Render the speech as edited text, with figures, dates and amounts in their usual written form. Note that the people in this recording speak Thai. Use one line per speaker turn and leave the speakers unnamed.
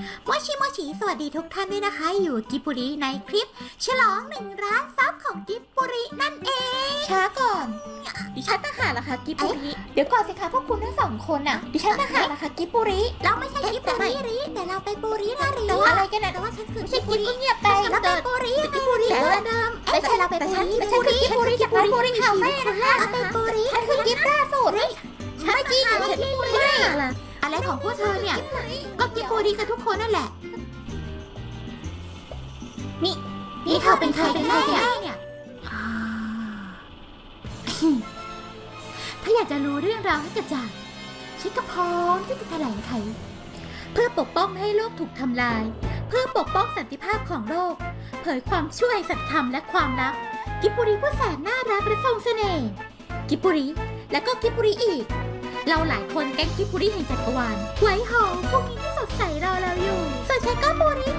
โมชิโมชิสวัสดีทุกท่านด้วยนะคะอยู่กิบบุริในคลิปฉลอง1 ล้านซับของกิบบุรินั่นเองช้าก่อนดิฉันต่างหากล่ะคะกิบบุริเดี๋ยวก่อนสิคะพวกคุณทั้งสองคนน่ะดิฉันต่างหากล่ะคะกิบบุริเราไม่ใช่กิบบุริแต่เราไปบุรินะริอะไรกันนะแต่ว่าฉันคือกิบบุริเงียบไปเราไปบุริกิบบุริเดิมไม่ใช่เราไปบุริฉันคือกิบบุริจากร้านบุริคาเฟ่นะคะเราไปบุริฉันคือกิบล่าสุดไม่จริงไม่ใช่อะไรของพวกเธอเนี่ยก็กิบบุริกันทุกคนนั่นแหละนี่เธอเป็นใครกันแน่เนี่ยถ้าอยากจะรู้เรื่องราวให้กระจ่างฉันก็พร้อมที่จะแถลงไขเพื่อปกป้องไม่ให้โลกถูกทำลายเพื่อปกป้องสันติภาพของโลกเผยความช่วยสัจธรรมและความลับกิบบุริผู้แสนน่ารักและทรงเสน่ห์กิบบุริและก็กิบบุริอีกเราหลายคนแก๊งกิบบุริแห่งจักรวาลไว้หอพวกนี้ที่สดใสรอเราอยู่ส่วนฉันก็บุริ